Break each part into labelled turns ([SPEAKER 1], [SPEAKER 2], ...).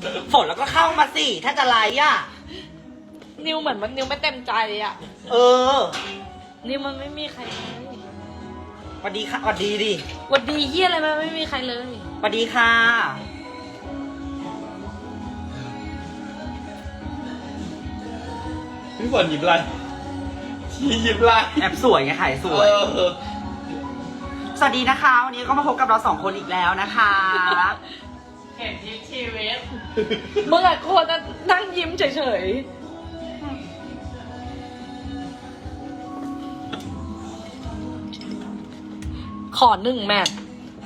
[SPEAKER 1] ฝนแล้วก็เข้ามาสิถ้าจะไลฟ์อ่ะ
[SPEAKER 2] นิวเหมือนมันนิวไม่เต็มใจอ่ะ
[SPEAKER 1] เออ
[SPEAKER 2] นิวมันไม่มีใครเลย
[SPEAKER 1] สวัสดีค่ะสวัสดีดิ
[SPEAKER 2] วันดีเฮียอะไรมันไม่มีใครเลย
[SPEAKER 1] สวัสดีค่ะ
[SPEAKER 3] พี่ฝนหยิบอะไรชี้หยิบอะไร
[SPEAKER 1] แอบสวยไงขายสวย สวัสดีนะคะ วันนี้ก็มาพบกับเราสองคนอีกแล้วนะคะ
[SPEAKER 2] เห็นที่ชีวิตมึงอะควรจะนั่งยิ้มเฉยๆ ขอหนึ่งแมท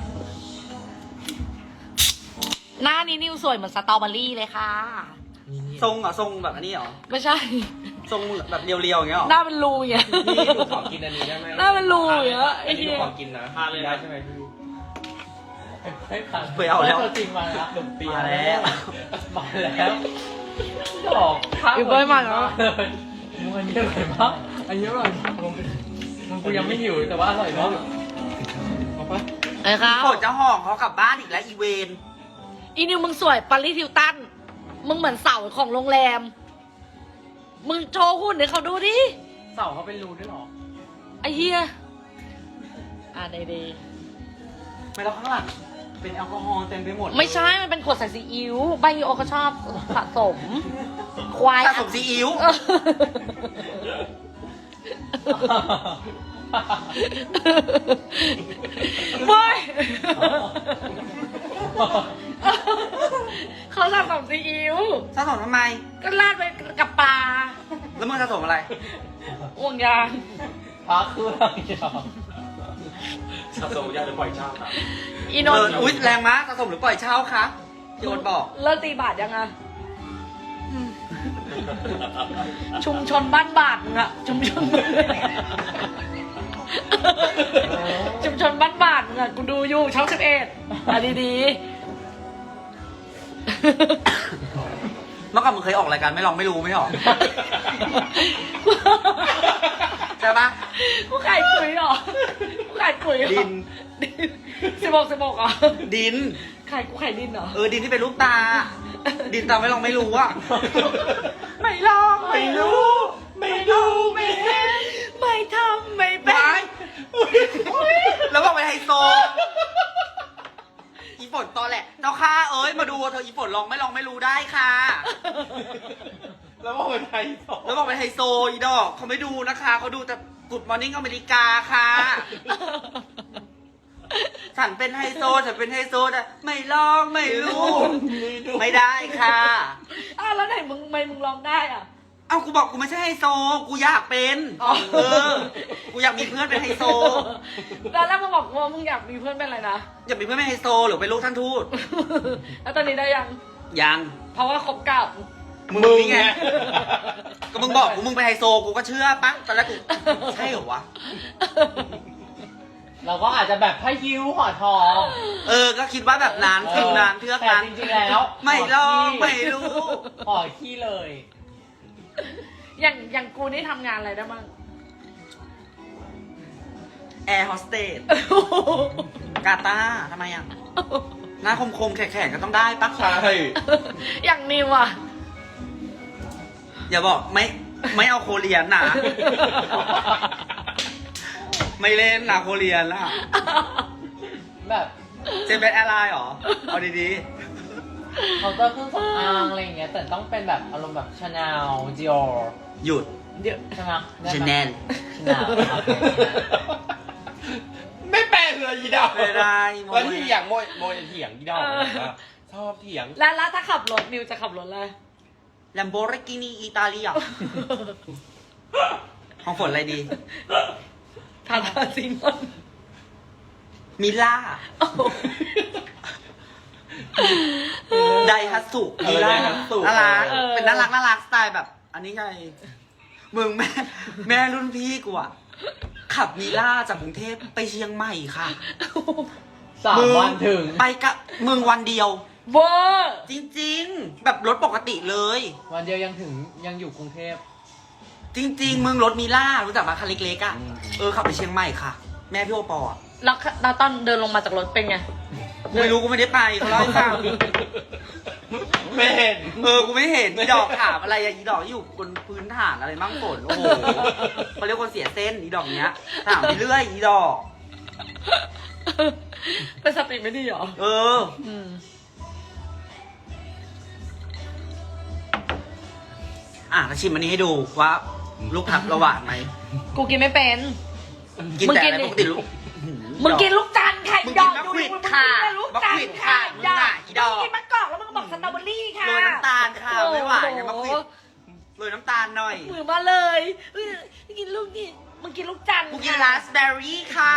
[SPEAKER 2] หน้านี้นิวสวยเหมือนสตรอเบอรี่เลยค่ะ
[SPEAKER 1] ทรงเหรอทรงแบบอันนี้เหรอ
[SPEAKER 2] ไม่ใช่
[SPEAKER 1] ทรงแบบเรียวๆอย่างเงี้ยเหรอ
[SPEAKER 2] หน้าเป็นรูอย่างเงี้ย
[SPEAKER 3] พี่หนูขอกินอันนี้ได้ไหม
[SPEAKER 2] หน้าเป็นรูอย่างเงี้ยไอ้
[SPEAKER 3] อันนี้
[SPEAKER 2] เหี้
[SPEAKER 3] หนู
[SPEAKER 2] ย
[SPEAKER 3] ขอกินนะทานเลยได้ใช่ไหมพี่ให้ผ่าน
[SPEAKER 1] ไปเอาแล้ว
[SPEAKER 3] จริงมาแล้วขนมเปี๊ยะ
[SPEAKER 1] มาแล้ว
[SPEAKER 3] มาแล้วดอกข้าว
[SPEAKER 2] อยู่บ้านมาแล้ว
[SPEAKER 3] เลยมึงอันนี้อร่อยมากอันนี้อร่อยมึงกูยังไม่หิวแต่ว่าอร่อยมากเอาปะ
[SPEAKER 2] ไอ้ครับ
[SPEAKER 1] ฝนจะห่องเขากลับบ้านอีกแล้วอีเวน
[SPEAKER 2] อีนิวมึงสวยปาริสฮิลตัน มึงเหมือนเสาของโรงแรม มึงโชว์หุ่นให้เขาดูดิ
[SPEAKER 3] เสาเขาเป็นรูด้วยเหรอ
[SPEAKER 2] ไอ้เหี้ยได้ดี
[SPEAKER 1] ไม่แล้วข้างหลังเป็นแอลกอฮอล์เต็มไปหมด
[SPEAKER 2] ไม่ใช่ มันเป็นขวดใส่ซีอิ๊วใบยูโอเขาชอบสะสม ควาย
[SPEAKER 1] สะสมซีอิ๊ว
[SPEAKER 2] เออเว้ยเขาสะสมซีอิ๊ว
[SPEAKER 1] สะสมทำไม
[SPEAKER 2] ก็ราดไปกับปลา
[SPEAKER 1] แล้วมึงสะสมอะไร
[SPEAKER 2] ห่วงยาง
[SPEAKER 3] พาเครื่องเดียว
[SPEAKER 4] สะสมยาหรือปล่อยเช่าครับ
[SPEAKER 2] อีนนท์
[SPEAKER 1] อุ๊ยแรงมากสะสมหรือปล่อยเช่าคะพี่โอ๊ตบอก
[SPEAKER 2] เลิกตีบาทยังอะชุมชนบ้านบาทมึงอะชุมชนชุมชนบ้านบาทมึงอะกูดูอยู่ช่อง11ดี
[SPEAKER 1] เมื่อก่อนมึงเคยออกรายการไม่ลองไม่รู้ไม่หรอ ใช่ปะ
[SPEAKER 2] ๆกูขายปุ๋ยเหรอกูขายปุ๋ยเหรอ
[SPEAKER 1] ดิน
[SPEAKER 2] 16เหรอ
[SPEAKER 1] ดิน
[SPEAKER 2] กูขายดินเหรอ
[SPEAKER 1] ดินที่เป็นลูกตา ดินตาไม่ลองไม่รู้อะไม่ลองไม่รู้
[SPEAKER 3] ไม่ดูไม่เห็น
[SPEAKER 2] ไม่ทำไม่เป็
[SPEAKER 1] ไว้
[SPEAKER 2] น
[SPEAKER 1] แล้วบอกไปไฮโซ อีฝนตอนแหละเจ้าค่ะเอ้ยมาดูเธออีฝนลองไม่รู้ได้ค่ะ
[SPEAKER 3] แล้วว่าเป็นไทยสอง
[SPEAKER 1] แล้วบอกไปไฮโซอีดอกเขาไม่ดูนะคะเขาดูแต่กุดมอร์นิ่งอเมริกาค่ะ ฉันเป็นไฮโซฉันเป็นไฮโซแต่ไม่ลองไม่รู้ ไม่ได้ค่ะ
[SPEAKER 2] แล้วไหนมึงร้องได้อ่ะ
[SPEAKER 1] เอ้ากูบอกกูไม่ใช่ไฮโซ กูอยากเป็น
[SPEAKER 2] อ๋อ
[SPEAKER 1] กูอยากมีเพื่อนเป็นไฮโซ
[SPEAKER 2] แล้วมึงบอกว่ามึงอยากมีเพื่อนเป็นอะไรนะ
[SPEAKER 1] อยากมีเพื่อนเป็นไฮโซหรือเป็นลูกท่านทูต
[SPEAKER 2] แล้วตอนนี้ได้ยัง
[SPEAKER 1] ยัง
[SPEAKER 2] เพราะว่าคบกับ
[SPEAKER 1] มึงนี่ไง ก็มึงบอกกูมึงเป็นไฮโซกูก็เชื่อปะตอนแรกกูใช่เหรอวะ
[SPEAKER 3] เราก็อาจจะแบบพายิวห่อทอง
[SPEAKER 1] ก็คิดว่าแบบนั้นฟิลนั้นเทือก
[SPEAKER 3] แต่
[SPEAKER 1] นั้น
[SPEAKER 3] จริงๆแล้ว
[SPEAKER 1] ไม่ลองไม่รู้
[SPEAKER 3] ห่อขี้เลย
[SPEAKER 2] อย่างกูนี่ทำงานอะไรได้บ้าง
[SPEAKER 1] แอร์โฮสเตสกาตาร์ทำไมอ่ะ หน้าคมๆแข็งๆก็ต้องได้ปะ
[SPEAKER 3] ใช่
[SPEAKER 2] อย่างนิวอ่ะ
[SPEAKER 1] อย่าบอกไม่เอาโคเรียนนะ ไม่เล่นนะโคเรียนล่ะ
[SPEAKER 3] แบบ
[SPEAKER 1] เจมเป็นแอร์ไลน์เหรอ เอาดี
[SPEAKER 3] เขาก็เครื่องสำอางอะไรอย่างเงี้ยแต่ต้องเป็นแบบอารมณ์แบบชาแนลจิโอ
[SPEAKER 1] ๆ หยุด
[SPEAKER 2] เดี๋ยว
[SPEAKER 3] ใช่ไหม
[SPEAKER 1] ชแนล
[SPEAKER 3] ชาแนลไม่แปลเลยยีดาว
[SPEAKER 1] ไม่ได้โม
[SPEAKER 3] แล้ว
[SPEAKER 1] ย
[SPEAKER 3] ที่อย่างโมยเถียงยีดาวชอบเถียง
[SPEAKER 2] แล้วถ้าขับรถนิวจะขับรถอะไร
[SPEAKER 1] แลมโบรกินีอิตาเลียของฝนอะไรดี
[SPEAKER 2] ทาทาซิงอน
[SPEAKER 1] มิล่า ไดฮัตสุมิล่า
[SPEAKER 3] Daihatsu
[SPEAKER 1] น่ารักเป็นน่ารักสไตล์แบบ อันนี้ไง มึงแม่รุ่นพี่กูอะขับมิล่าจากกรุงเทพไปเชียงใหม่ค่ะ
[SPEAKER 3] 3 วันถึง
[SPEAKER 1] ไปกับมึงวันเดียว
[SPEAKER 2] เวอร์
[SPEAKER 1] จริงๆ แบบรถปกติเลย
[SPEAKER 3] วันเดียวยังอยู่กรุงเทพ
[SPEAKER 1] จริง ๆ มึงรถมิล่ารู้จักมาคันเล็กๆอะขับไปเชียงใหม่ค่ะ แม่พี่โอปออะ
[SPEAKER 2] แล้วตอนเดินลงมาจากรถเป็นไง
[SPEAKER 1] กูไม่รู้กูไม่ได้ไปเขาเล่าให้ฟัง
[SPEAKER 3] ไม่เห็น
[SPEAKER 1] กูไม่เห็นอีดอกถามอะไรอะอีดอกอยู่บนพื้นฐานอะไรมั่งฝนโอ้โหเขาเรียกคนเสียเส้นอีดอกเนี้ยถามไปเรื่อยอีดอก
[SPEAKER 2] เป็นสติไม่ดีเหรอ
[SPEAKER 1] เออ แล้วชิมอันนี้ให้ดูว่าลูกผักระหว่างไหม
[SPEAKER 2] กูกินไม่เป็น
[SPEAKER 1] กินแต่อะไรปกติลูก
[SPEAKER 2] มึงกินลูกจันทร์ไข่
[SPEAKER 1] มึง
[SPEAKER 2] ด
[SPEAKER 1] กิ
[SPEAKER 2] อน ก
[SPEAKER 1] มะ
[SPEAKER 2] ดู
[SPEAKER 1] ขวิ
[SPEAKER 2] ดิ
[SPEAKER 1] ด
[SPEAKER 2] มึง
[SPEAKER 1] ค่ะ
[SPEAKER 2] กินแต่ลูกจันทร์
[SPEAKER 1] มะขวิดค่ะ
[SPEAKER 2] ไข่ดอก
[SPEAKER 1] อีดอก
[SPEAKER 2] มึงกินมะกอกแล้วมึงก็บอกสตรอเบอรี่ค่ะ
[SPEAKER 1] โรยน้ำตาลค่ะไม่หวานนะมะขวิดโรยน้ำตาลหน่อย
[SPEAKER 2] มือมาเลยเฮ้ยกินลูกนี่มึงกินลูกจันทร์
[SPEAKER 1] กูกิน
[SPEAKER 2] ค่ะ
[SPEAKER 1] ราสเบอร์รี่ค่ะ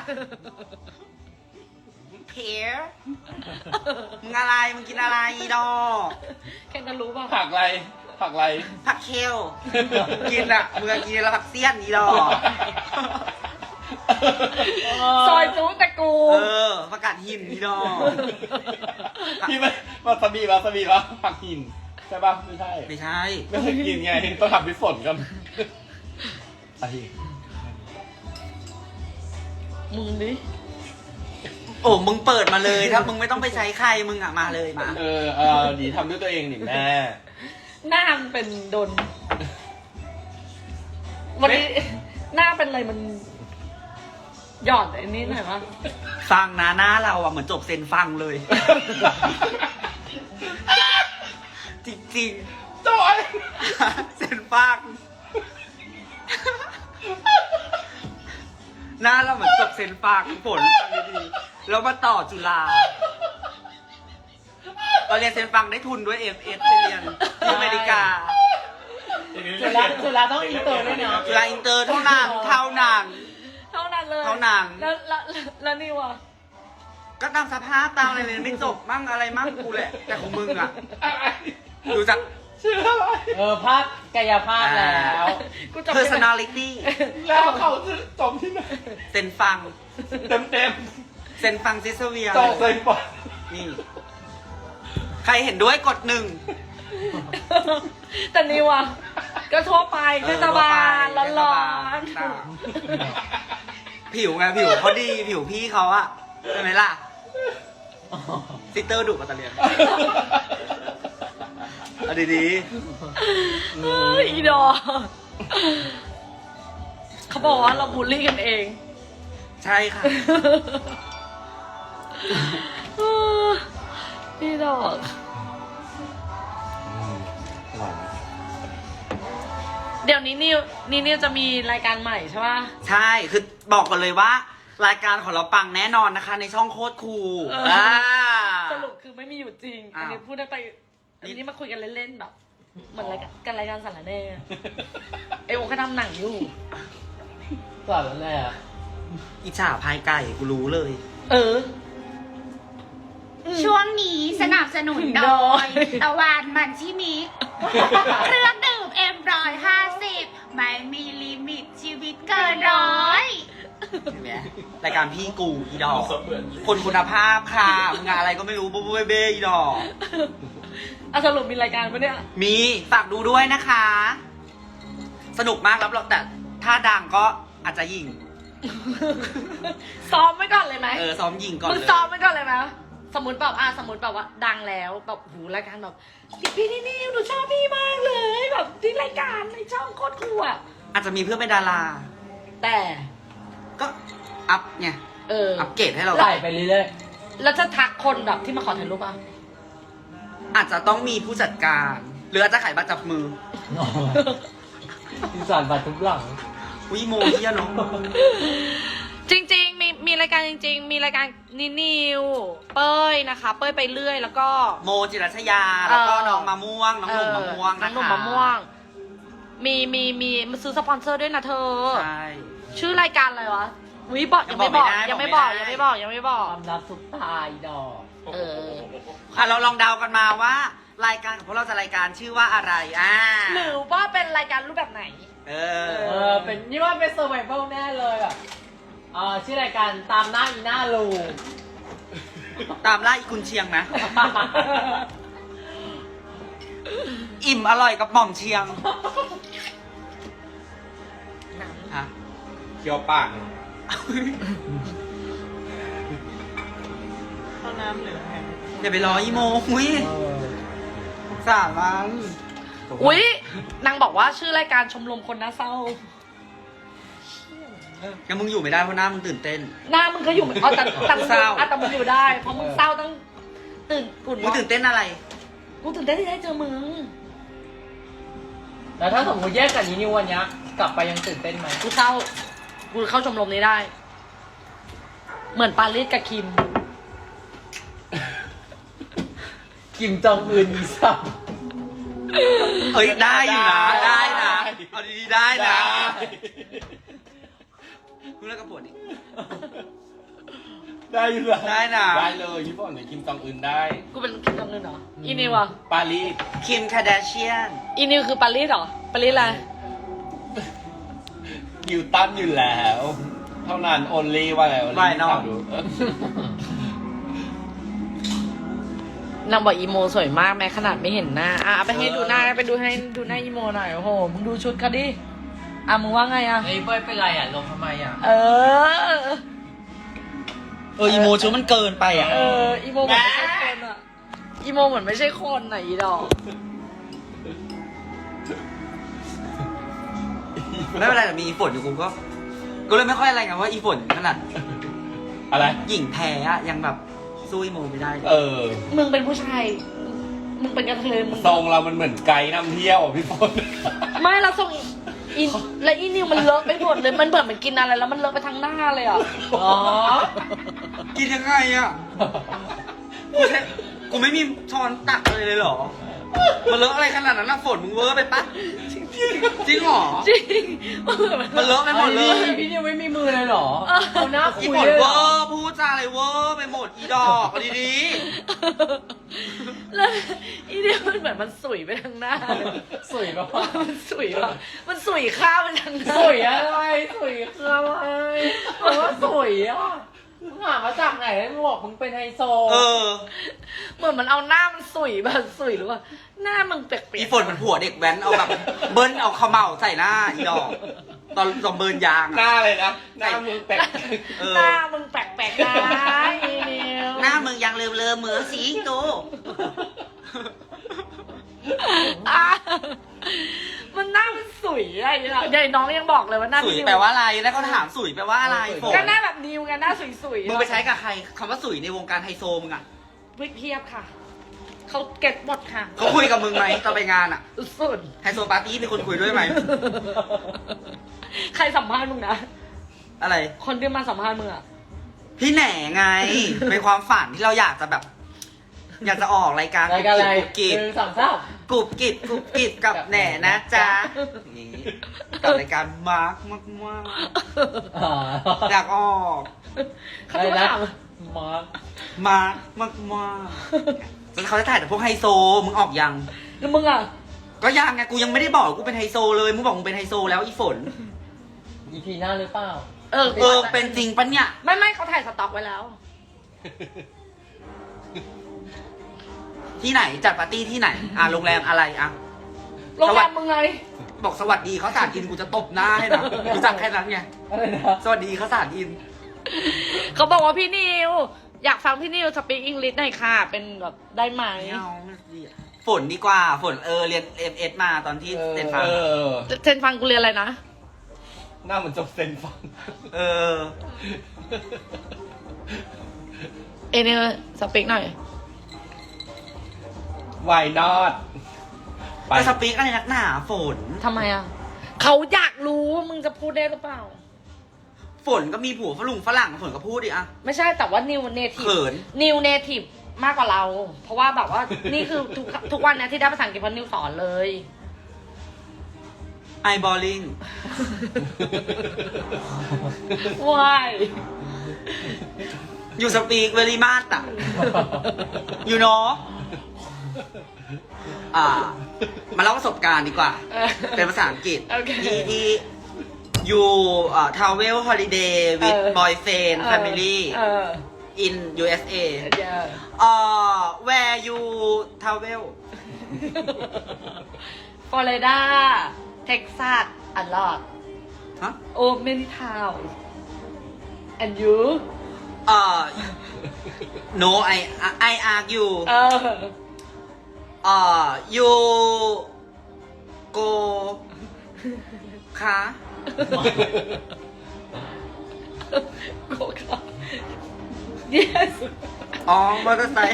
[SPEAKER 1] เพรมึงอะไรมึงกินอะไรอีดอก
[SPEAKER 2] แค่นั้นรู้ป่ะ
[SPEAKER 3] ผักอะไรผักอะไร
[SPEAKER 1] ผักเคลกินอะมึงกินแล้วผักเสี้ยนอีดอก
[SPEAKER 2] ซอยจูแต่กู
[SPEAKER 1] ผักกาดหินอีดอก
[SPEAKER 3] พี่ไม่วาซาบิปะผักหินใช่ปะไม่ใช่
[SPEAKER 1] ไม่ใช่
[SPEAKER 3] ไม่เคยกินไงต้องทำพี่ฝนกันไอ้
[SPEAKER 2] มึงดิ
[SPEAKER 1] โอ้มึงเปิดมาเลยถ้ามึงไม่ต้องไปใช้ใครมึงอะมาเลยมา
[SPEAKER 3] ดีทำด้วยตัวเองนี่แม่
[SPEAKER 2] หน้ามันเป็นโดน วันนี้หน้าเป็นอะไรมันหยอดไอ้นี่หน่อยวะ
[SPEAKER 1] ฟังนะหน้าเราอะเหมือนจบเซนฟังเลย จริง
[SPEAKER 3] จอย
[SPEAKER 1] ๆ เซนฟัง หน้าเราเหมือนจบเซนฟังฝนฟังดีๆแล้วมาต่อจุฬาเราเรียนเซนฟังได้ทุนด้วย FS ไปเรียนที่อเมริกา
[SPEAKER 3] จุฬาต้องอินเตอร์ด้วยเนาะ
[SPEAKER 1] จุฬาอินเตอร์เท่านั้นเท่านั้น
[SPEAKER 2] เท่านั้นเลย
[SPEAKER 1] เท่านั้น
[SPEAKER 2] แล้วนี่วะ
[SPEAKER 1] ก็ตามสภาพตามอะไรเรียนไม่จบมั่งอะไรมั่งกูแหละ แต่ของมึงอะดูจาก
[SPEAKER 3] ชื่ออะไร
[SPEAKER 5] ภาพกายภาพแล้ว
[SPEAKER 2] กูจำไม่ได้
[SPEAKER 1] personality
[SPEAKER 3] แล้วเขาจะจบที่ไหน
[SPEAKER 1] เซนฟัง
[SPEAKER 3] เต็ม
[SPEAKER 1] เซนฟังซิสเวีย
[SPEAKER 3] ๆจบเลยปะ
[SPEAKER 1] นี่ ใครเห็นด้วยกดหนึ่ง
[SPEAKER 2] แต่นี่วะก็ทั่วไปเทศบาลร้อน
[SPEAKER 1] ผิวไงผิวเขาดีผิวพี่เขาอะใช่ไหมล่ะซิสเตอร์ดุปัตเตอร์เลียนเอาดี
[SPEAKER 2] ๆเฮ้ยอีดอกเขาบอกว่าเราบูลลี่กันเอง
[SPEAKER 1] ๆใช่ค่ะ
[SPEAKER 2] อีดอก เดี๋ยวนี้นิวจะมีรายการใหม่ใช่ป่ะ
[SPEAKER 1] ใช่คือบอกกันเลยว่า รายการของเราปังแน่นอนนะคะ ในช่องโคตรคูล
[SPEAKER 2] เอออ่
[SPEAKER 1] อ่า
[SPEAKER 2] สรุปคือไม่มีอยู่จริง อันนี้
[SPEAKER 1] อ้าว
[SPEAKER 2] พูดได้ไปอันนี้มาคุยกันเล่นๆแบบเหมือนรายการสารแหน่ไอโอเขาทำหนังอยู่
[SPEAKER 5] สอนแล้วแหละ
[SPEAKER 1] อิจฉาพายไก่กูรู้เลย
[SPEAKER 2] เออ
[SPEAKER 6] ช่วงนี้สนับสนุนโดยตะวันมันชิมิเครื่องดื่มM150ไม่มีลิมิตชีวิตเกินร้อย
[SPEAKER 1] เห็นไหมรายการพี่กูอีดอก
[SPEAKER 4] สมเหมือน
[SPEAKER 1] คนคุณภาพค่ะมึงงานอะไรก็ไม่รู้บ๊บเบ้อีดอก
[SPEAKER 2] เอาสรุปมีรายการปะเนี่ย
[SPEAKER 1] มีฝากดูด้วยนะคะ สนุกมากรับรองแต่ถ้าดังก็อาจจะยิง
[SPEAKER 2] ซ้อมไว้ก่อนเลยไหม
[SPEAKER 1] ซ้อมยิงก่อน
[SPEAKER 2] มึง
[SPEAKER 1] เลย
[SPEAKER 2] ซ้อมไว้ก่อนเลยไหมสมมติแบบสมมติแบบว่าดังแล้วแบบหูรายการแบบพี่นี่หนูชอบพี่มากเลย แบบที่รายการในช่องโคตรคูลอ่ะ
[SPEAKER 1] อาจจะมีเพื่อนเป็นดารา
[SPEAKER 2] แต่
[SPEAKER 1] ก็อัพไง อัปเกรดให้เรา
[SPEAKER 5] ใส่ไปเรื่อย
[SPEAKER 2] แล้วจะทักคนแบบที่มาขอถ่ายรูปอ่ะ
[SPEAKER 1] อาจจะต้องมีผู้จัดการ หรืออาจจะขายบัตรจับมือ
[SPEAKER 5] ๆที่สอนบัตรทุกหลัง
[SPEAKER 1] วิโมเฮียเนาะ
[SPEAKER 2] จริงๆมีรายการจริง ๆ มีรายการนิวเป้ยนะคะ เป้ยไปเรื่อยแล้วก็
[SPEAKER 1] โมจิรัชยา แล้วก็น้องมะม่วง น้องหนุ่มมะม่วง
[SPEAKER 2] น้
[SPEAKER 1] นะ
[SPEAKER 2] องหนุ่ม
[SPEAKER 1] คะ
[SPEAKER 2] มะม่วง มีมาซื้อสปอนเซอร์ด้วยนะเธอ
[SPEAKER 1] ใช่
[SPEAKER 2] ชื่อรายการอะไรวะวิบอกยังไม่บอก
[SPEAKER 1] ยั
[SPEAKER 2] ยัง
[SPEAKER 1] ง
[SPEAKER 2] ไม่
[SPEAKER 1] บบ อ
[SPEAKER 2] อก ก
[SPEAKER 1] ไม่ได้
[SPEAKER 2] ยังไม่บอกยังไม่บอก
[SPEAKER 5] ความลับซุปตาอีดอก
[SPEAKER 2] เออ
[SPEAKER 1] เราลองเดากันมาว่า รายการของพวกเราจะรายการชื่อว่าอะไร
[SPEAKER 2] หรือว่าเป็นรายการรูปแบบไหน
[SPEAKER 5] เป็นนี่ว่าเป็นเซอร์ไวเวลแน่เลยแบบชื่อรายการตามหน้าอีหน้าลู
[SPEAKER 1] ตามล่าอีกุนเชียงนะ อิ่มอร่อยกับหม่อมเชียงฮะ
[SPEAKER 3] เคี้ยวปาก
[SPEAKER 1] อย่าไปรออีโมอุ้ยสารมัน
[SPEAKER 2] อุ๊ยนางบอกว่าชื่อรายการชมรมคนน่าเศร้า
[SPEAKER 1] งั้นมึงอยู่ไม่ได้เพราะหน้ามึงตื่นเต้น
[SPEAKER 2] หน้ามึงก็อยู่เอาแต่มึง
[SPEAKER 1] เศร้า
[SPEAKER 2] แต่มึงอยู่ได้ เพราะมึงเศร้าต้องตื่นกุ่น
[SPEAKER 1] มึงตื่นเต้นอะไร
[SPEAKER 2] กูตื่นเต้นที่ได้เจอมึง
[SPEAKER 5] แล้วถ้าสมมติแยกกับนิววันเนี้ยกลับไปยังตื่นเต้นไหม
[SPEAKER 2] กูเศร้า กูเข้าชมรมนี้ได้ เหมือนปารีสกับคิม
[SPEAKER 5] กิมจองอึนอีสับ
[SPEAKER 1] เฮ้ยได้อยู่นะ ได้นะเอาดีๆได้นะมึงเลิกกับปวดดิ
[SPEAKER 4] ได้อยู่เลย
[SPEAKER 1] ได้นะ
[SPEAKER 4] ได้เลยพี่บอลเนี่ยคิมจองอึนได้
[SPEAKER 2] กูเป็นคิมจองอึนเหรอ อีนิวอ่ะ
[SPEAKER 4] ปารีส
[SPEAKER 1] คิมคาเดเชียน
[SPEAKER 2] อีนิวคือปารีสเหรอ ปารีสอะไร
[SPEAKER 4] ฮิวตันอยู่แล้ว เท่านั้น only ว่าอะไร only
[SPEAKER 1] ไม่นอก
[SPEAKER 4] ดู
[SPEAKER 2] นางบอกอีโมสวยมากแม้ขนาดไม่เห็นหน้า อ่ะเอาไปให้ดูหน้าไปดูให้ดูหน้าอีโมหน่อย โอ้โห มึงดูชุดเขาดิ อ่ะมึงว่าไงอ่ะ
[SPEAKER 5] ไอ้เป้ยเป็นไรอ่ะลงทำไมอ่ะ
[SPEAKER 2] เออ
[SPEAKER 1] อีโมชุดมันเกินไปอ่ะ
[SPEAKER 2] เออ อีโมเหมือนไม่ใช่คนอ่ะ อีโมเหมือนไม่ใช่คนอ่ะอีดอก
[SPEAKER 1] ไม่เป็นไรแต่มีอีฝนอยู่กูเลยไม่ค่อยอะไรไงว่าอีฝนขนาด
[SPEAKER 4] อะไร
[SPEAKER 1] หญิงแท้อะยังแบบสู้อีโมไม่ได้เลย
[SPEAKER 4] เออ
[SPEAKER 2] มึงเป็นผู้ชาย มึงเป็นกระเทยมึง
[SPEAKER 4] ทรงเรามันเหมือนไกด์นำเที่ยวอ่ะพี่บอล
[SPEAKER 2] ไม่เราส่งอีและอีนิวมันเลอะไปหมดเลย มันเหมือนมันกินอะไรแล้วมันเลอะไปทั้งหน้าเลยอ่ะ
[SPEAKER 5] อ๋อ
[SPEAKER 1] กินยังไงอะกูไม่มีช้อนตักเลยเหรอ มันเลอะอะไรขนาดนั้นนะฝนมึงเวอร์ไปปะจริงเหรอ
[SPEAKER 2] จริง
[SPEAKER 1] มันเลอะไปหมดเลย
[SPEAKER 5] พี่นิวไม่มีมือเลยเหรอเอาหน้า
[SPEAKER 1] อี
[SPEAKER 5] คุย
[SPEAKER 1] ฝน
[SPEAKER 5] เลย
[SPEAKER 1] เว
[SPEAKER 5] เหร
[SPEAKER 1] อ
[SPEAKER 5] อ
[SPEAKER 1] ร์พูดจาอะไรเวอร์ไปหมดอีดอกเอาดี
[SPEAKER 2] แล้วอีนิวมันเหมือนมันสุยไปทั้งหน้าเลย
[SPEAKER 5] สวยปะ
[SPEAKER 2] มันสุยว่ะมันสุยข้าวไปทั้งหน้า
[SPEAKER 5] สวยอะไรสวยคืออะไรบอกว่าสวยอ่ะมึงหามาจากไหนมึงบอกมึงเป็นไฮโซ
[SPEAKER 1] ๆเออ
[SPEAKER 2] เหมือนมันเอาหน้ามันสุยแบบสุยหรือว่าหน้ามึงเปียก
[SPEAKER 1] อีฝนมันผัวเด็กแว้นเอาแบบเบิ้ลเอาเขม่าใส่หน้าอีดอกตอนเบิร์นยาง
[SPEAKER 4] ห
[SPEAKER 1] อะ
[SPEAKER 4] น้าเลยนะ หน้ามือแปลก
[SPEAKER 1] เออ
[SPEAKER 2] หน้ามึงแปลกๆนะอีนิว
[SPEAKER 1] หน้ามึงยังเลิมๆเหมือนสิงโต
[SPEAKER 2] อ่ะมันหน้ามันสุยอะไรอย่างเงี้ยใหญ่น้องยังบอกเลยว่าหน้า
[SPEAKER 1] สุย
[SPEAKER 2] นิว
[SPEAKER 1] แปลว่าอะไรแล้วเขาถามสุยแปลว่าอะไรฝน
[SPEAKER 2] ก็หน้าแบบนิวไงหน้าสุยๆ
[SPEAKER 1] มึงไปใช้กับใครคำว่าสุยในวงการไฮโซมึงอะ
[SPEAKER 2] วิกเพียบค่ะ เขาเก็ตหมดค่ะ
[SPEAKER 1] เขาคุยกับมึงไหมตอนไปงานอะ
[SPEAKER 2] สุด
[SPEAKER 1] ไฮโซปาร์ตี้มีคนคุยด้วยไหม
[SPEAKER 2] ใครสัมภาษณ์มึงนะ
[SPEAKER 1] อะไร
[SPEAKER 2] คนที่มาสัมภาษณ์มึงอะ
[SPEAKER 1] พี่แหน่ไง เป็นความฝันที่เราอยากจะแบบ อยากจะออกรายการ
[SPEAKER 5] รายการอะไร
[SPEAKER 1] กุบกิบ
[SPEAKER 5] หนึ่งสองสาม
[SPEAKER 1] กุบกิบกุบกิบกับแหน่นะจ๊ะอย่างนี้กับรายการมาร์กมาก
[SPEAKER 5] อ๋อ
[SPEAKER 1] ๆอยากออก
[SPEAKER 2] เขาจะมาถาม
[SPEAKER 5] มาร์ค
[SPEAKER 1] มาร์กมากๆแล้วเขาจะถ่ายแต่พวกไฮโซมึงออกยัง
[SPEAKER 2] แล้วมึงอะ
[SPEAKER 1] ก็ยังไงกูยังไม่ได้บอกกูเป็นไฮโซเลยมึงบอกมึงเป็นไฮโซแล้วอีฝน
[SPEAKER 5] อีพีหน้าหรือเปล่า
[SPEAKER 2] เออ
[SPEAKER 1] เป็นจริงปะเนี่ย
[SPEAKER 2] ไม่เขาถ่ายสต็อกไว้แล้ว
[SPEAKER 1] ที่ไหนจัดปาร์ตี้ที่ไหนโรงแรมอะไรอ่ะ
[SPEAKER 2] โรงแรมมึงไง
[SPEAKER 1] บอกสวัสดีเขาสาดอินกูจะตบหน้าให้นะรู้จักแค่นั้นไง
[SPEAKER 5] อะไรนะ
[SPEAKER 1] สวัสดีเขาสาดอิน
[SPEAKER 2] เขาบอกว่าพี่นิว อยากฟังพี่นิวสปีกอังกฤษหน่อยค่ะ เป็นแบบได้ไหม
[SPEAKER 1] ไม่เอาไม่ดีอะฝนดีกว่าฝนเรียนMS มาตอนที่เซนฟัง
[SPEAKER 4] เออ
[SPEAKER 2] เซนฟังกูเรียนอะไรนะ
[SPEAKER 4] หน้าเหมือนจบเซนฟัง
[SPEAKER 1] เออ
[SPEAKER 2] เอเนี่ยสปีกหน่อย
[SPEAKER 4] Why not ไป
[SPEAKER 1] ไปสปีกอะไรนักหนาฝน
[SPEAKER 2] ทำไมอ่ะ เขาอยากรู้ว่ามึงจะพูดได้หรือเปล่า
[SPEAKER 1] ฝนก็มีผัวฝรั่งฝนก็พูดดิอะ
[SPEAKER 2] ไม่ใช่แต่ว่านิวเนทีฟ
[SPEAKER 1] เขิน
[SPEAKER 2] นิวเนทีฟมากกว่าเรา เพราะว่าแบบว่า นี่คือทุกวันเนี้ยที่ได้ภาษาอังกฤษเพราะนิวสอนเลย
[SPEAKER 1] ไอบอลลิง
[SPEAKER 2] ว้าย
[SPEAKER 1] อยู่สปีกเวลีมาสอะอยู่เนาะมาเล่าประสบการณ์ดีกว่า เป็นภาษาอังกฤษ
[SPEAKER 2] โอเค
[SPEAKER 1] ที่อยู่travel holiday with boyfriend family
[SPEAKER 2] เออ
[SPEAKER 1] in USA
[SPEAKER 2] เดี๋ยว
[SPEAKER 1] where you travel
[SPEAKER 2] ฟลอริดา เท็กซัส a lot
[SPEAKER 1] ฮะ
[SPEAKER 2] oh many town and you
[SPEAKER 1] no I argue
[SPEAKER 2] เออ
[SPEAKER 1] ยูโกคะ
[SPEAKER 2] โกค่ะ yes
[SPEAKER 1] อ๋อมอเตอร์ไซค์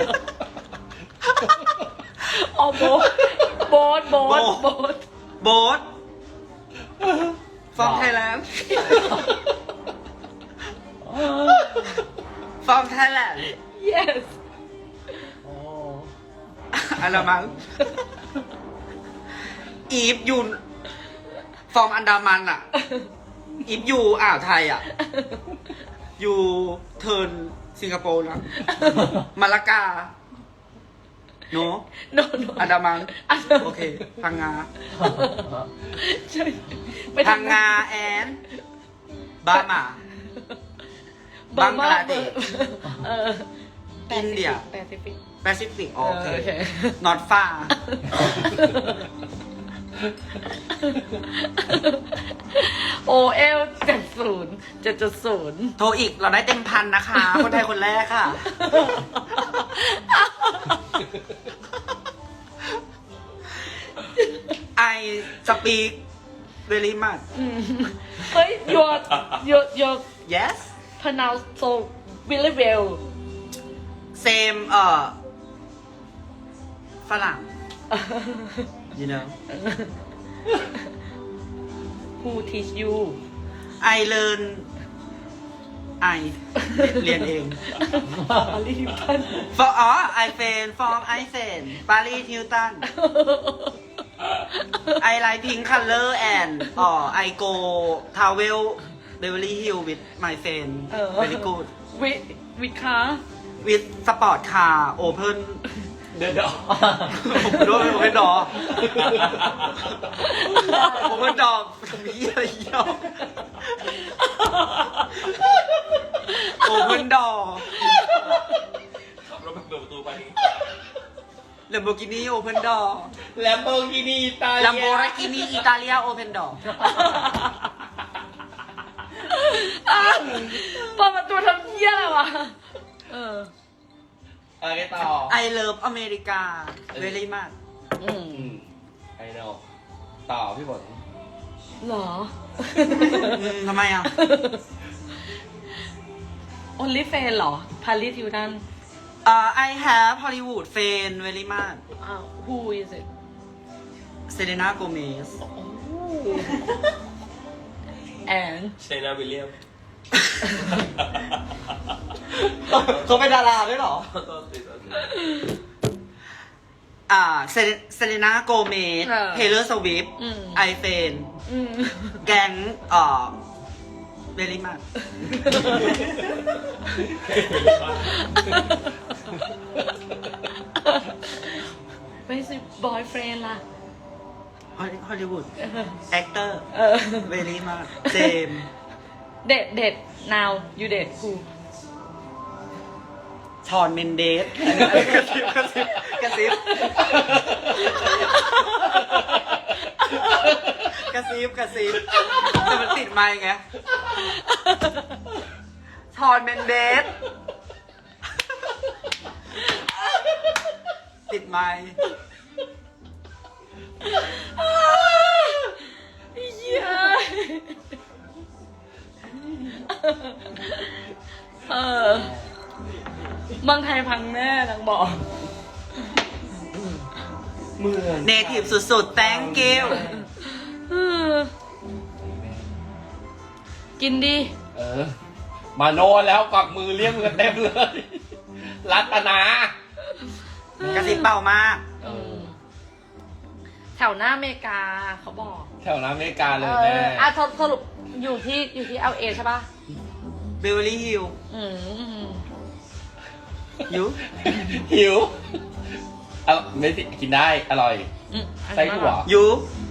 [SPEAKER 2] อ๋อโบ๊ท
[SPEAKER 1] โบ๊ทฟอร์มไทยแลนด์ฟอร์มไทยแลนด์
[SPEAKER 2] yes
[SPEAKER 1] อะไรมั้งอีฟยูฟอร์มอันดามันอ่ะ อีฟยูอ่าวไทยอ่ะ ยูเทิร์นสิงคโปร์นะมาลากาโน
[SPEAKER 2] no no
[SPEAKER 1] อันดามัน
[SPEAKER 2] อันดามัน
[SPEAKER 1] โอเค พังงา
[SPEAKER 2] ใช่ไป
[SPEAKER 1] พัง
[SPEAKER 2] ทำ
[SPEAKER 1] งาแอนบามา บังกลาเทศ อินเดีย
[SPEAKER 2] แปซิฟิก
[SPEAKER 1] แปซิฟิกโอเค
[SPEAKER 2] โอเค
[SPEAKER 1] not far
[SPEAKER 2] โอเอล7.0
[SPEAKER 1] โทรอีกเราได้เต็มพันนะคะ คนไทยคนแรกค่ะ I speak very much
[SPEAKER 2] เฮ้ย your
[SPEAKER 1] yes
[SPEAKER 2] pronounce so really well
[SPEAKER 1] same ฝรั่ง you know
[SPEAKER 2] who teach you
[SPEAKER 1] I learn I เรียนเอง
[SPEAKER 2] รีบกัน
[SPEAKER 1] for I fan from I fan Paris Hilton I like pink color and I go travel Beverly Hills with my friend very good
[SPEAKER 2] with car
[SPEAKER 1] with sport car open
[SPEAKER 3] เดี๋ยว
[SPEAKER 1] ผมด้วยโอเพนดอโอเพนดอมีอะไรเยอะโอเพนดอ
[SPEAKER 4] ขับรถไปเปิดประตูไป
[SPEAKER 1] เลมโบกินีโอเพนดอ
[SPEAKER 3] แลมโบกินีตา
[SPEAKER 1] ลัมโบกินีอิตาเลียโอเพนดอ
[SPEAKER 2] เปิดประตูทำเหี้ยอะไรวะ
[SPEAKER 3] อะไรต่อ
[SPEAKER 1] I love อเมริกา very much
[SPEAKER 3] ไอโนต่อพี่ฝน
[SPEAKER 2] หรอ
[SPEAKER 1] ทำไมอ่ะ
[SPEAKER 2] only fan หรอ Paris Hilton
[SPEAKER 1] I have Hollywood fan very much
[SPEAKER 2] who is it
[SPEAKER 1] Selena Gomez
[SPEAKER 2] and
[SPEAKER 4] เซนาวิลเลียม
[SPEAKER 1] เขาเป็นดาราด้วยเหรอ เซเลน่าโกเมส เทเลอร์สวิฟต์ ไอเฟน แก๊งเบลลี่มา
[SPEAKER 2] ไม่ใช่ boyfriend ล่ะ
[SPEAKER 1] ฮอลลีวูด แอคเตอร์ เบลลี่มา เจม
[SPEAKER 2] เด็ด now you เด็ด who
[SPEAKER 1] ชอนเมนเดส กระซิบแต่มันติดไมค์ไง ชอนเมนเดส ติดไมค์
[SPEAKER 2] เย้เมืองไทยพังแน่นางบอก
[SPEAKER 3] เมือง
[SPEAKER 1] เนทีฟสุดๆ thank you
[SPEAKER 2] กินดิ
[SPEAKER 3] มาโนแล้วกวักมือเรียกมือเต็มเลย รัตนาก
[SPEAKER 1] ระซิบเบามาก
[SPEAKER 2] แถวหน้าอเมริกาเขาบอก
[SPEAKER 3] แถวน้ำอเมริกาเลยแม่
[SPEAKER 2] สรุปอยู่ที่ LA ใช่ป่ะ
[SPEAKER 1] เบเวอร์ลี่ฮิล ยู
[SPEAKER 3] หิวไม่สิกินได้อร่อยไส้ถั่ว
[SPEAKER 1] ยู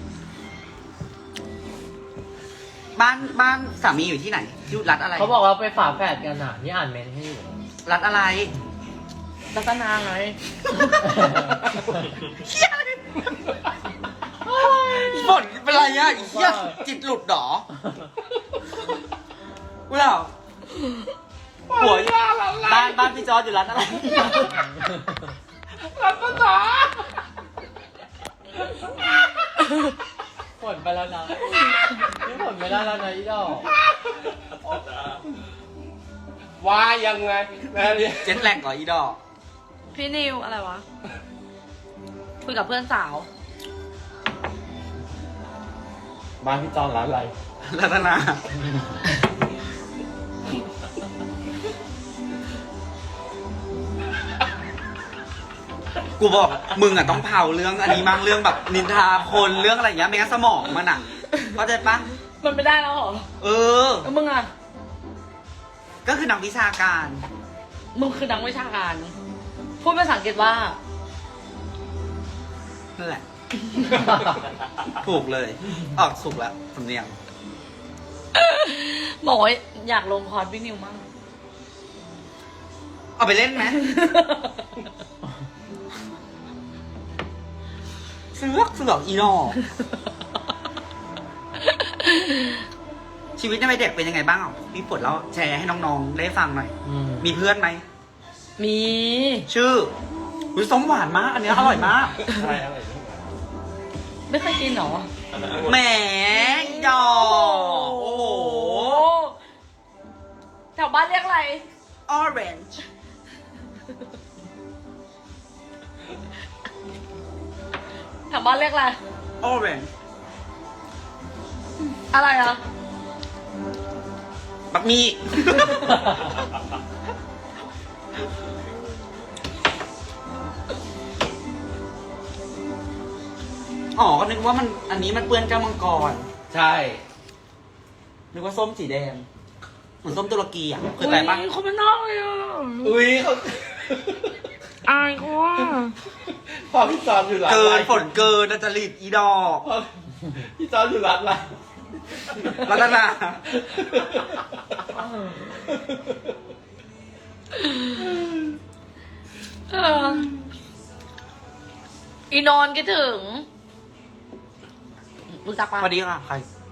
[SPEAKER 1] บ้านสามีอยู่ที่ไหนอยู่รัฐอะไร
[SPEAKER 5] เขาบอกว่าไปฝาแฝดกันอ่ะ นี่อ่านเมนให้อยู่
[SPEAKER 1] รัฐอะไร
[SPEAKER 2] รัตนาไง
[SPEAKER 1] เฮียอะไรฝนเป็นไรอ่ะเฮียจิตหลุดหรอกูเหรอหัวบ้านพี่จอร์จอยู่รัฐอะไร
[SPEAKER 3] รัตนา
[SPEAKER 5] ผลไปแล้วนะนี่ผลไม่ได้แล้วนะอีดอก
[SPEAKER 4] ว่ายังไงแม่เนี่ย
[SPEAKER 1] เจ็ตแลกก่ออีดอก
[SPEAKER 2] พี่นิวอะไรวะ คุยกับเพื่อนสาว
[SPEAKER 4] บ้านพี่จอนร้านอะไร
[SPEAKER 1] รัตนา กูบอกมึงอ่ะต้องเผาเรื่องอันนี้มั่งเรื่องแบบนินทาคนเรื่องอะไรอย่างเงี้ยไม่งั้นสมองมันอ่ะเข้าใจปะ
[SPEAKER 2] มันไม่ได้แล้วเหรอ
[SPEAKER 1] เออ
[SPEAKER 2] แล้วมึงอ่ะ
[SPEAKER 1] ก็คือนักวิชาการ
[SPEAKER 2] มึงคือนักวิชาการ พูดภาษาอังกฤษว่า
[SPEAKER 1] นั่นแหละ ถูกเลย ออกสุกแล้วสำเนียง
[SPEAKER 2] บอกว่าอยากลงคอร์สพี่นิวมาก
[SPEAKER 1] เอาไปเล่นไหม เสือกอีนอชีวิตในวัยเด็กเป็นยังไงบ้างอ่ะพี่ฝนแล้วแชร์ให้น้องๆได้ฟังหน่อย มีเพื่อนไหม
[SPEAKER 2] มี
[SPEAKER 1] ชื่ออุ๊ยส้มหวานมาก อันเนี้ยอร่อยมาก
[SPEAKER 4] ใช่อะไร
[SPEAKER 2] ไม่เคยกินเหรอ
[SPEAKER 1] แหมอีดอกโอ้โห
[SPEAKER 2] แถวบ้านเรียกอะไร
[SPEAKER 1] orange
[SPEAKER 2] แถวบ้านเรียกอะไร
[SPEAKER 1] orange
[SPEAKER 2] อะไรอ่ะ
[SPEAKER 1] บักมีอ๋อ ก็นึกว่ามันอันนี้มันเปื้อนแก้วมังกร
[SPEAKER 4] ใช่
[SPEAKER 1] นึกว่าส้มสีแดง เหมือนส้มตุรกีอ่ะเคยไปปะ
[SPEAKER 2] เขาไม่นอกเลยอ่ะ
[SPEAKER 4] อุ้ยเขา
[SPEAKER 2] อายเขาว่า
[SPEAKER 4] พอพี่จอนอยู่ร้าน
[SPEAKER 1] เกิ
[SPEAKER 4] อะไร
[SPEAKER 1] นฝนเกินนะจริตอีดอก
[SPEAKER 4] พอพี่จอนอยู่ร้านอะไร
[SPEAKER 1] รัตนา
[SPEAKER 2] เอออีนอนคิดถึงรู้จัก
[SPEAKER 1] ส
[SPEAKER 2] ปะ
[SPEAKER 1] วัสดีค่ะ ใคร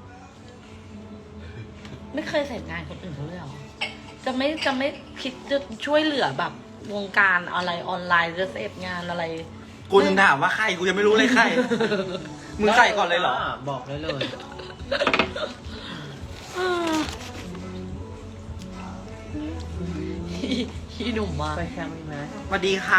[SPEAKER 2] ไม่เคยเสร็จงานคนอื่นเขาเลยเหรอ จะไม่คิดจะช่วยเหลือแบบ วงการอะไรออนไลน์จะเสร็จงานอะไร
[SPEAKER 1] กูถึงถามว่าใคร กูยังไม่รู้เลยใคร มึงใส่ก่อนเลยเหรอ
[SPEAKER 5] บอกได้เลย
[SPEAKER 2] อีหนุ่มมา
[SPEAKER 5] ไปแคมป์มีไหม
[SPEAKER 1] สวัสดีค่ะ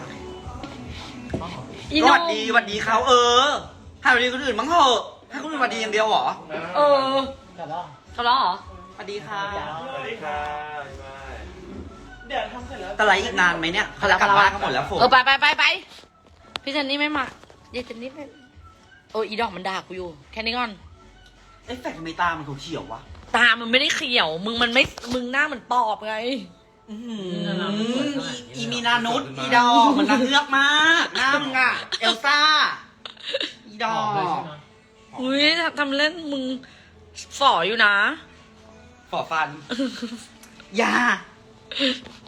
[SPEAKER 2] อี
[SPEAKER 1] ส
[SPEAKER 2] หนุ่
[SPEAKER 1] วั
[SPEAKER 2] ม
[SPEAKER 1] สดีสวัสดีเขาให้สวัสดีคนอื่นมั้งเถอะให้คนอื่นสวัสดีอย่างเดียวเหรอ
[SPEAKER 2] เออ
[SPEAKER 5] กลับแล้ว
[SPEAKER 2] ทะเลาะเหรอ
[SPEAKER 1] สวัสดีค่ะ
[SPEAKER 4] สวัสดีค่ะเดี๋ยวทำเสร็จแล้ว
[SPEAKER 1] แต่ไรอีกนานไหมเนี่ยเขาจะกลับบ้านกันหมดแล้วฝน
[SPEAKER 2] เออไปพี่เจนนี่ไม่มาเยเจนนี่ไม่โอ้ยอีดอกมันด่ากูอยู่ แค่นี้ก่อน
[SPEAKER 1] เอ๊ะแฟกทำไมตามันเขียวๆวะ
[SPEAKER 2] ตามันไม่ได้เขียว มึงหน้าเหมือนปอบไง
[SPEAKER 1] อีมีนานุษอีดอกมันนางเงือกมากหน้ามึงอะเอลซ่า อีดอก
[SPEAKER 2] อุ้ยทำเล่นมึงฝ่ออยู่นะ
[SPEAKER 1] ฝ่อฟัน ยา